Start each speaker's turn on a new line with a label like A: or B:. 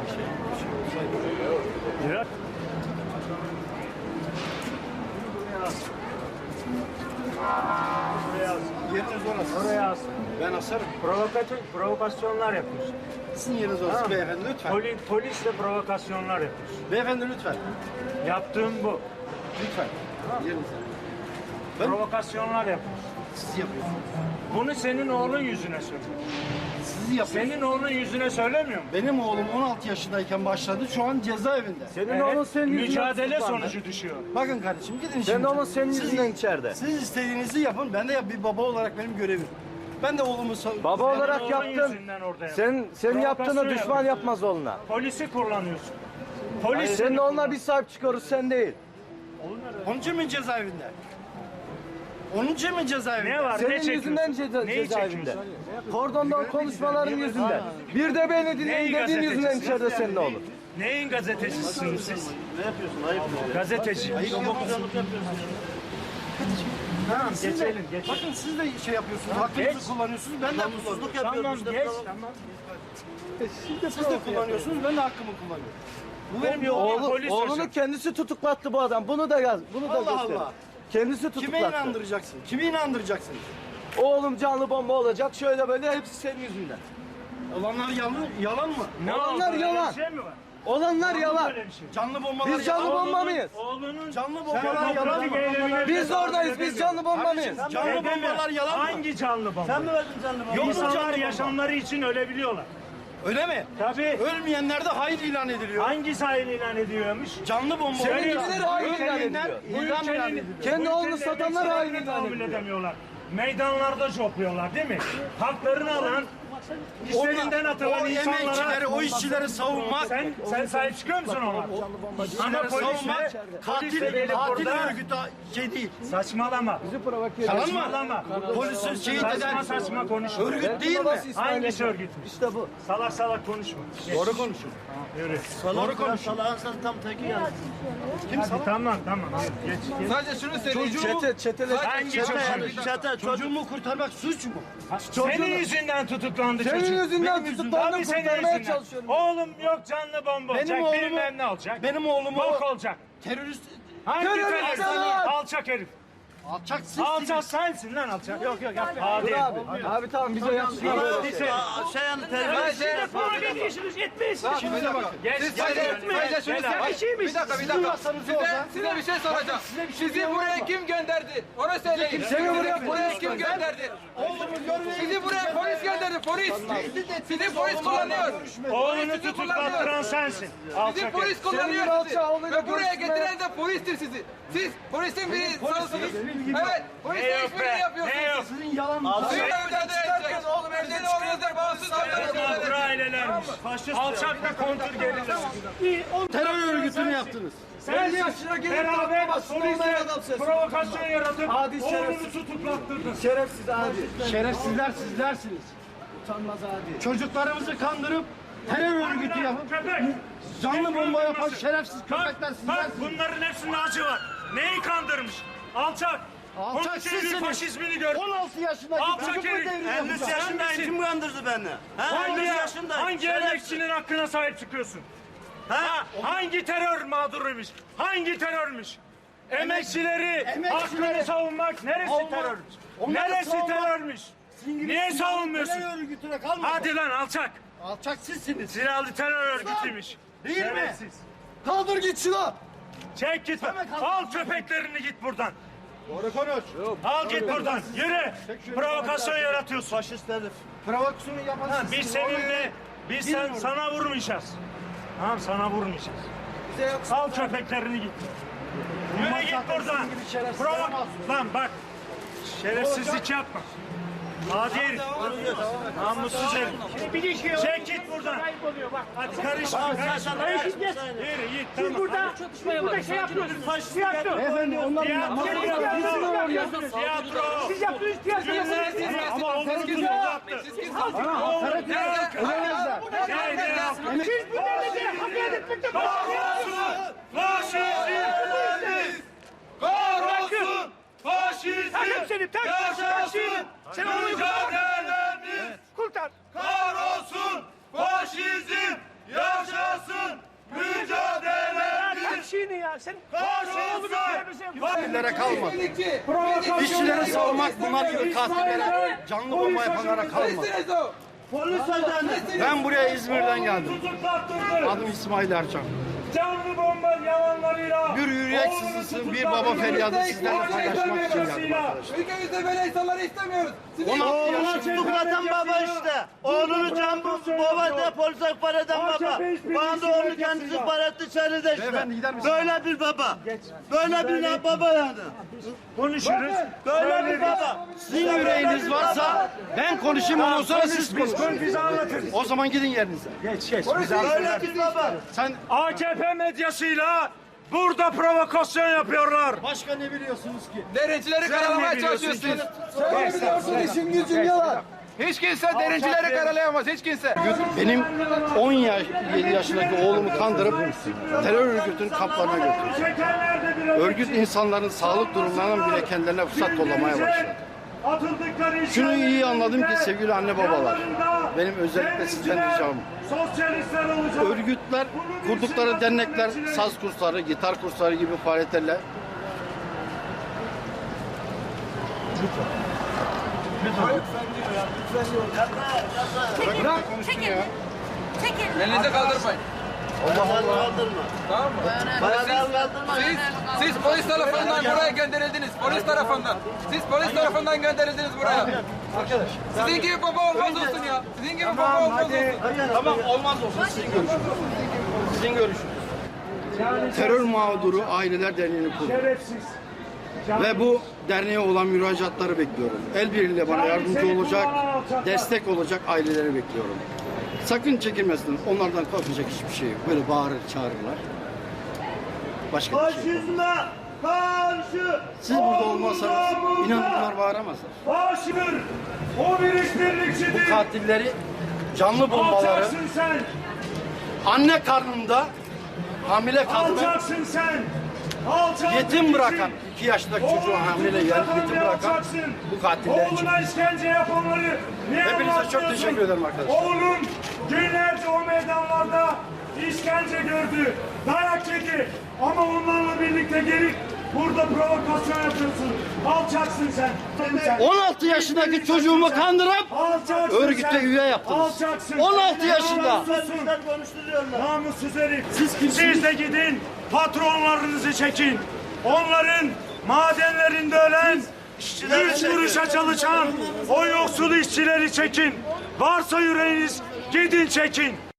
A: Evet.
B: Yeriniz orası.
A: Oraya as.
B: Ben asarım.
A: Provokasyonlar yapıyorsun.
B: Sizin yeriniz orası
A: Tamam.
B: beyefendi lütfen.
A: Polisle provokasyonlar yapıyorsun.
B: Beyefendi lütfen.
A: Yaptığın bu.
B: Lütfen. Yerinize. Ben-
A: Provokasyonlar yapıyorsun.
B: Siz yapıyorsunuz.
A: Bunu senin oğlun yüzüne söylüyor.
B: Siz yapıyorsunuz.
A: Senin oğlun yüzüne söylemiyor mu?
B: Benim oğlum 16 yaşındayken başladı. Şu an cezaevinde.
C: Senin oğlun senin yüzünden
A: mücadele
C: tutuklandı.
A: sonucu düşüyor.
B: Bakın kardeşim gidin
C: Senin
B: şimdi.
C: oğlun senin
B: Siz-
C: yüzünden içeride.
B: Siz istediğinizi yapın. Ben de bir baba olarak benim görevim. Ben de oğlumu
C: Baba
A: Senin
C: olarak
A: oğlun
C: yaptın.
A: yüzünden orada
C: Senin yaptığını
A: Provokasyon
C: düşman
A: yapıyorsun.
C: yapmaz oğluna.
A: Polisi kullanıyorsun.
C: Hayır,
A: Polis
C: senin
A: seni
C: oğluna
A: kullanıyor.
C: bir sahip çıkarız, sen değil.
B: Onun için mi cezaevinde? Onun için mi cezaevinde?
A: Ne var? ne
C: Senin
A: çekiyorsun?
C: yüzünden
A: Neyi
C: cezaevinde.
A: çekiyorsun?
C: Kordondan konuşmaların yüzünden. Bir de beni dinleyin dediğin yüzünden içeride senin oğlun.
A: Neyin gazetecisiniz siz?
D: Ne yapıyorsun? Ayıp oluyor.
A: Gazeteci.
D: Babacanlık yapıyorsun.
A: Tamam
B: Siz de,
A: geçelim.
B: bakın siz de şey yapıyorsunuz.
A: Geç.
B: Hakkınızı kullanıyorsunuz. Ben de kullanıyorum.
D: Namussuzluk
A: Tamam
D: yapıyorum işte.
A: geç. Tamam.
B: Siz de kullanıyorsunuz. Ben de hakkımı kullanıyorum. Bu benim yolum.
A: Polis
C: Oğlunu
A: hocam.
C: kendisi tutuklattı bu adam. Bunu da yaz. Bunu da
B: Allah
C: göster.
B: Allah.
C: Kendisi
B: Kime
C: tutuklattı.
B: inandıracaksın? Kimi inandıracaksın?
C: Oğlum canlı bomba olacak. Şöyle böyle hepsi senin yüzünden.
B: Olanlar yalan mı?
A: Ne
C: Olanlar
A: oldu? Öyle
C: yalan.
A: bir şey mi var?
C: Olanlar yalan.
A: Böyle bir şey.
B: Canlı bombalar
C: Biz canlı
B: yalan mı?
C: bomba mıyız?
A: Oğlunun
B: Canlı
A: Sen
B: bombalar yalan
A: demokratik
B: mı?
A: eylemine
C: Biz
A: bile
C: oradayız.
A: tahammül
C: Biz canlı bomba mıyız?
B: Canlı
A: edemiyorum.
B: bombalar yalan mı?
A: Hangi canlı bomba?
D: Sen mi verdin canlı bana?
B: Yok mu
A: İnsanlar
B: canlı bomba?
A: yaşamları için ölebiliyorlar.
B: Öyle mi?
A: Tabii.
B: Ölmeyenler de hain ilan ediliyor.
A: Hangi sahil ilan ediyormuş?
B: Canlı bomba.
A: Senin
C: gibileri hain ilan
B: Ölmeyenler
C: ediliyor.
A: Bu
B: idam ilan
A: ülkenin-
B: ediliyor.
C: Kendi
A: bu
C: oğlunu
A: ülkenin
C: satanlar hain
A: emekçilerini
C: ilan
A: tahammül
C: ediyor.
A: edemiyorlar. Meydanlarda jopluyorlar değil mi? Haklarını alan, işlerinden atılan
B: o emekçileri,
A: insanlara...
B: o işçileri savunmak,
A: Sen sahip çıkıyor musun ona? Ama
B: işçileri savunmak
A: polisle
B: katil
A: gelip burada...
B: örgütü şey değil.
A: Saçmalama.
B: Tamam mı?
A: Saçmalama.
B: Polisi şehit
A: Saçma
B: eden
A: saçma konuşma.
B: örgüt değil mi?
A: Hangisi örgütmüş?
C: İşte bu.
A: Salak salak konuşma.
B: Doğru konuşun.
A: Yürü.
D: Doğru konuş. Salağın sen tam teki yani.
A: Hadi tamam. Geç.
C: Sadece şunu söyleyeyim. Çetele.
A: Hangi çocuk?
D: Çete çocuk.
B: Çocuğumu kurtarmak suç mu?
A: Senin yüzünden tutuklandı çocuk.
C: Senin yüzünden
B: Benim
C: tutuklandım,
A: Tabii senin
C: kurtarmaya
A: yüzünden.
C: çalışıyorum.
A: Oğlum yok canlı bomba olacak.
B: Benim oğlumu-
A: Bilmem ne olacak.
B: Benim oğlumu
A: Bok olacak.
B: terörist
A: Hangi
C: Terörist
A: terörist?
C: lan!
A: Alçak herif.
B: alçak sizsiniz.
A: Alçak sensin lan alçak. Yok yapma. Hadi.
C: Dur abi. Abi tamam bize yakışmıyor böyle şey.
D: Şey yani terörist.
B: Şimdi bakın.
A: Geç.
C: Bir dakika.
E: Size bir şey soracağım. Sizi buraya kim gönderdi? Onu söyleyin.
C: Seni buraya
E: kim gönderdi?
B: Oğlumu görmeyin.
E: Sizi buraya polis gönderdi. Polis. Sizi polis kullanıyor.
A: Oğlunu tutuklattıran sensin.
E: Sizi
A: Alçak herif.
E: polis kullanıyor
C: Senin
E: sizi.
C: alçağı oğluyla
E: Ve buraya
C: görüşmeye-
E: getiren de polistir sizi. Siz polisin bir sanısınız. Evet.
A: Ne
E: Polisle
A: yok
E: işbirliği
A: be? Ne
E: yapıyorsunuz.
A: yok?
B: Sizin yalan
E: Siz de evden çıkarken oğlum evden oğlunuzda bağımsız davranıyorsunuz.
A: Mağdur ailelermiş. Alçakla kontur geriler.
B: terör örgütünü yaptınız.
A: Sen
C: yaşına gelip
A: beraber
C: basın olmayan
A: polisle
C: adamsın.
A: provokasyon yaratıp
C: Hadi
A: oğlunu
C: şerefsiz.
A: tutuklattırdın.
C: Şerefsiz abi.
B: Şerefsizler sizlersiniz.
C: Utanmaz abi.
B: Çocuklarımızı kandırıp terör örgütü yapıp
A: Köpek.
B: canlı bomba yapan
A: Kandırması.
B: şerefsiz köpekler
A: Bak
B: sizlersiniz.
A: bunların hepsinde acı var. Neyi kandırmış? Alçak.
B: Alçak
A: Onun senin
B: sizsiniz.
A: faşizmini gör.
B: 16 yaşındaki
A: Alçak
B: çocuk mu
A: herif.
B: devri
D: 53
B: yapacak?
D: yaşındayım. Kim kandırdı beni? Ha? 53 yaşındayım.
A: Hangi
D: Şerefsiz.
A: emekçinin hakkına sahip çıkıyorsun?
D: Ha?
A: Hangi terör mağduruymuş? Hangi terörmüş? Emekçileri hakkını savunmak neresi
B: Savunmak-
A: terörmüş?
B: Onları
A: Neresi
B: savunmak-
A: terörmüş? Niye savunmuyorsun?
B: Terör örgütüne kalmadın.
A: Hadi lan alçak.
B: Alçak sizsiniz.
A: Silahlı terör örgütüymüş.
B: Değil mi?
A: Şerefsiz.
C: Kaldır git şunu.
A: Çek git. Al köpeklerini git buradan.
B: Doğru konuş.
A: Al git buradan. Yürü. Provokasyon yaratıyorsun.
D: Faşist herif.
B: Provokasyonu yapan
A: Ha,
B: sizsiniz.
A: biz sana vurmayacağız. Tamam sana vurmayacağız. Al köpeklerini git. Yürü git buradan.
B: Sizin gibi şerefsizler
A: Provo...
B: olmaz.
A: Lan bak. Şerefsizlik yapma. Hadi herif. Namussuz herif. Çek git buradan. Hadi karışma. Karışma. Yürü git. Tamam.
F: Burada şey yapıyorsunuz. Tiyatro.
B: Beyefendi onlar
A: Tiyatro.
F: Siz yaptığınız tiyatro.
A: Ama onu tutuklattı.
B: ölemezler.
F: Siz bu devlete hakaret etmekte
A: Kahrolsun! Faşizm! Kahrolsun! Faşizm!
F: Takım seni tak.
A: Yaşasın!
F: Sen onu
A: Mücadelemiz!
F: kurtar.
A: Kahrolsun! Faşizm! Yaşasın mücadele.
F: Tak şeyini ya. Sen
C: Katillere kalmadı.
F: provokasyon
C: İşçileri savunmak bunlar gibi katillere, canlı bomba yapanlara kalmadı.
D: Polis ajanı.
C: Ben buraya İzmir'den geldim.
A: tutuklattırdı.
C: Adım İsmail Erçam.
A: Canlı bomba yalanlarıyla.
C: Bir yürüyek sızısı, bir baba feryadı sizlerle paylaşmak için geldim arkadaşlar.
E: Ülkemizde böyle insanları istemiyoruz. Siz
C: 16
D: Oğlunu
C: yaşında
D: tutuklatan baba işte. Oğlunu can baba da polise ihbar eden baba. Bana da oğlunu kendisi ihbar etti içeride işte.
C: Beyefendi gider misiniz?
D: Böyle bir baba. Böyle bir baba yani.
A: Konuşuruz.
D: Böyle bir baba.
C: Sizin yüreğiniz varsa ben konuşayım, ondan sonra siz konuşun.
A: Bize anlatırız.
C: O zaman gidin yerinize.
A: Geç. Bize
D: Böyle bir baba.
C: Sen
A: AKP medyasıyla burada provokasyon yapıyorlar.
C: başka ne biliyorsunuz ki?
E: Derencileri karalamaya çalışıyorsunuz.
C: Sen biliyorsun, işin gücün yalan.
E: Hiç kimse derencileri karalayamaz. Hiç kimse.
C: Benim 17 yaşındaki oğlumu kandırıp terör örgütünün kamplarına götürdü.
A: Çekenler de bir
C: Örgüt insanların sağlık durumlarından bile kendilerine fırsat kollamaya başladı.
A: atıldıkları
C: Şunu iyi anladım ki sevgili anne babalar, benim özellikle sizden ricam.
A: sosyalistler olacak.
C: Örgütler, kurdukları dernekler, saz kursları, gitar kursları gibi faaliyetlerle
G: Çekil. Çekil.
E: Elinizi kaldırmayın.
D: Kaldırma.
E: Tamam mı?
D: Bayağı kaldırma.
E: Siz polis tarafından buraya gönderildiniz. Polis tarafından. Siz polis tarafından gönderildiniz buraya. Sizin gibi baba olmaz olsun ya. Sizin gibi baba olmaz olsun.
C: tamam olmaz olsun sizin görüşünüz. Sizin görüşünüz. Terör mağduru Aileler Derneği'ni kurdum.
A: Şerefsiz.
C: Ve bu derneğe olan müracaatları bekliyorum. El birliğiyle bana yardımcı olacak, destek olacak aileleri bekliyorum. Sakın çekinmesin. Onlardan korkacak hiçbir şey yok. Böyle bağırır, çağırırlar. Başka bir şey yok.
A: Faşizme karşı.
C: Siz burada olmazsanız inanın bunlar bağıramazlar.
A: Faşidir. O bir işbirlikçidir.
C: Katilleri, canlı bombaları
A: Alçaksın sen.
C: anne karnında hamile kadını
A: Alçaksın sen. Alçak
C: yetim
A: bir
C: bırakan,
A: kişi.
C: 2 yaşındaki çocuğu hamile yetim bırakan bu katiller için.
A: Oğluna işkence yapanları niye
C: Hepinize çok
A: anlatmıyorsun?
C: teşekkür ederim arkadaşlar.
A: Oğlum günlerce o meydanlarda işkence gördü, dayak yedi. Ama onlarla birlikte gelip burada provokasyon yapıyorsun. Alçaksın sen.
C: 16 yaşındaki çocuğumu kandırıp
A: Alçaksın
C: örgüte
A: sen.
C: üye yaptınız.
A: Alçaksın.
C: 16 yaşında.
D: Polisler konuşturuyorlar.
A: Namussuz herif. Siz de gidin patronlarınızı çekin. Onların madenlerinde ölen,
D: İşçileri
A: 3
D: çekin.
A: kuruşa çalışan o yoksul işçileri çekin. Varsa yüreğiniz gidin çekin.